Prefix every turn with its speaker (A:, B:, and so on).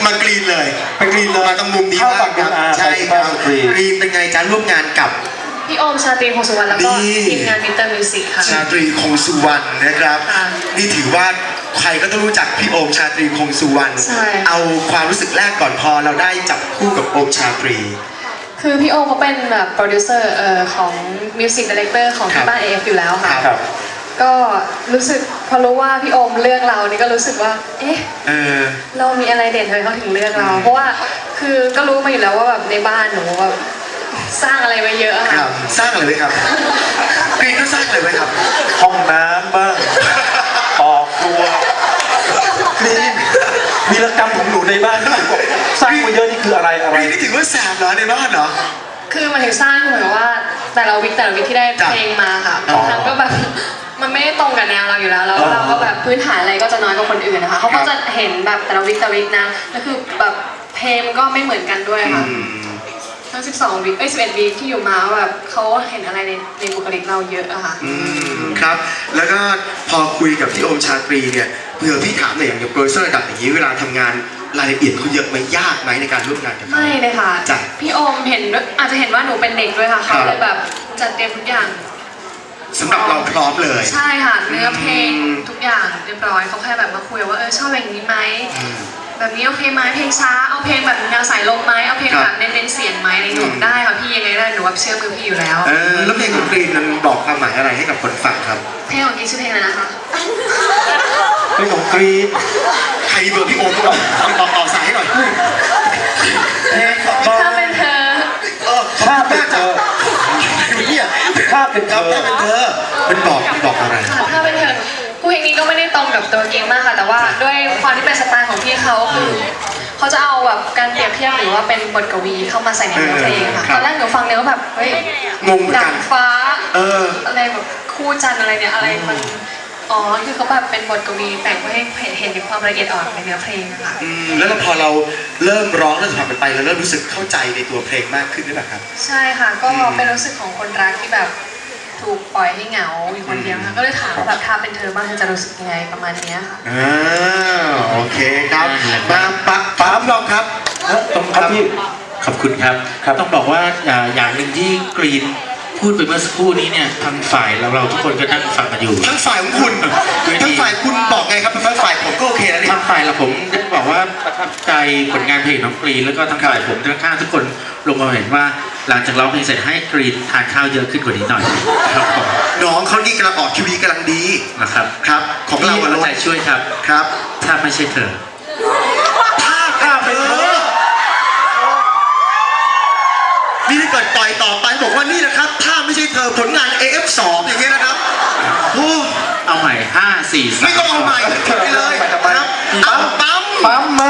A: ากรีนเลยมาตรงมุมนี้บ้างครับใช่ครับกรีนเป็นไงจ๊ะร่วมงานกับ
B: พี่โอมชาตรีคงสุวรรณแล้วก็ทีมงานมิสเตอร์มิวสิกค่ะ
A: ชาตรีคงสุวรรณนะครับนี่ถือว่าใครก็ต้องรู้จักพี่โอมชาตรีคงสุวรรณเอาความรู้สึกแรกก่อนพอเราได้จับคู่กับโอมชาตรี
B: คือพี่โอมเขาเป็นแบบโปรดิวเซอร์ของมิวสิกดีเรคเตอร์ของที่บ้าน AF อยู่แล้วค่ะก็รู้สึกพอรู้ว่าพี่โอมเลือกเรานี่ก็รู้สึกว่าเอ๊ะเรามีอะไรเด่นเลยเขาถึงเลือกเราเพราะว่าคือก็รู้มาอยู่แล้วว่าแบบในบ้านหนูแบบสร้างอะไรไว้เยอะค่ะ
A: สร้างอะไรไว้ครับกรีนก็สร้างอะไรไว้ครับ
C: ห้องน้ำบ้างออกครัวมีรกรรมของหนูในบ้านที่หนูบอกสร้างมาเยอะนี่คืออะไร
A: กรีนนี่ถือว่าแสบเหรอในบ้านเหรอ
B: คือมันถึงสร้างเหมือนว่าแต่ละวิกที่ได้เพลงมาค่ะบางครั้งก็แบบมันไม่ได้ตรงกับแนวเราอยู่แล้วเราก็แบบพื้นฐานอะไรก็จะน้อยกว่าคนอื่นนะคะเขาก็จะเห็นแบบแต่ละวิกนะแล้วคือแบบเพลงก็ไม่เหมือนกันด้วยค่ะทั้ง12 วีค11 วีคที่อยู่มาแบบเขาเห็นอะไรในบุคลิกเราเยอะอะค่ะ
A: ครับแล้วก็พอคุยกับพี่โอมชาตรีเนี่ยเผื่อพี่ถามหน่อยอย่างโปรดิวเซอร์ระดับอย่างนี้เวลาทำงานรายละเอียดเขาเยอะไหมยากไหมในการร่วมงานกับเขา
B: ไม่เลยค่ะพี่โอมเห็นอาจจะเห็นว่าหนูเป็นเด็กด้วยค่ะเขาเลยแบบจัดเตรียมทุกอย่าง
A: สำหรับเราพร้อมเลย
B: ใช่ค่ะเนื้อเพลงทุกอย่างเรียบร้อยเขาแค่แบบมาคุยว่าชอบอย่างนี้ไหมแบบนี้โอเคไหมเพลงช้าเอาเพลงแบบแนวสายลมไหมเอาเพลงแบบเน้นเสียงไหมในหนูได้ค่ะพี่ยังไงได้หนูว่าเชื่อมือพี่อยู่แล้ว
A: แล้วเพลงของกรีนมันบอกความหมายอะไรให้กับคนฟังครับ
B: เพลงของกรีนชื่อเพลงอะไรนะคะ
C: เพลงของกรีน
A: ใครเบอร์พี่โอมต่อสายให้หน่อย
B: ถ้าเป็นเธอ
C: ถ้าเป็นเธอถ้าเป็นเธอ
A: เป็นบอกอะไร
B: ถ้าเป็นเธอเพลงนี้ก็ไม่ได้ตรงกับตัวเกมมากค่ะแต่ว่าด้วยความที่เป็นสไตล์ของพี่เขาคือเขาจะเอาแบบการเปรียบเทียบหรือว่าเป็นบทกวีเข้ามาใส่ในเนื้อเพลงค่ะตอนแรกหนูฟังเนื้อแบบเฮ้ย
A: งง
B: ดังฟ้าอะไรแบบคู่จันอะไรเนี่ยอะไรมันคือเขาแบบเป็นบทกวีแต่งเพื่อให้เห็นถึงความละเอียดอ่อนในเนื้อเพลงค่ะ
A: แล้วพอเราเริ่มร้องเริ่มทำไปเราเริ่มรู้สึกเข้าใจในตัวเพลงมากขึ้นหรือเปล่าครับ
B: ใช่ค่ะก็เป็นรู้สึกของคนรักที่แบบถูกปล่อยให้เหงาอยู่คนเดียวค่ะก็เลยถามว่าแบบถ้าเป็นเธอบ้างเธอจะรู้สึกยังไงประมาณนี้ค่ะ
A: โอเคครับมาปั๊มลองครับ
C: ต้องครับพี่
D: ขอบคุณครับต้องบอกว่าอย่างหนึ่งที่กรีนพูดไปเมื่อสักครู่นี้เนี่ยทางฝ่ายเราทุกคนก็นั่งฟังกันอยู่
A: ทั้งฝ่ายของคุณทั้งฝ่ายคุณบอกไงครับทั้งฝ่ายผมก็โอเคแล้วนี่
D: ทางฝ่ายเราผมได้บอกว่าประทับใจผลงานเพลงน้องกรีนแล้วก็ทางฝ่ายผมข้างทุกคนลงมาเห็นว่าหลังจากร้องเพลงเสร็จให้กรีนทานข้าวเยอะขึ้นกว่านี้หน่อยครับผม
A: น้องเขานี่กำลังออกทีวีกำลังดี
D: นะครับ
A: ครับของเรา
D: ใจช่วยครับถ้าไม่ใช่เธอ
A: ถ้าเป็นเธอนี่ถ้าเกิดต่อยต่อไปบอกว่านี่นะครับถ้าไม่ใช่เธอผลงาน AF2 อย่างเงี้ยนะครับ
D: เอาใหม่5 4 3
A: ไม่ต้องเอาใหม่ไปเลยครับปั๊ม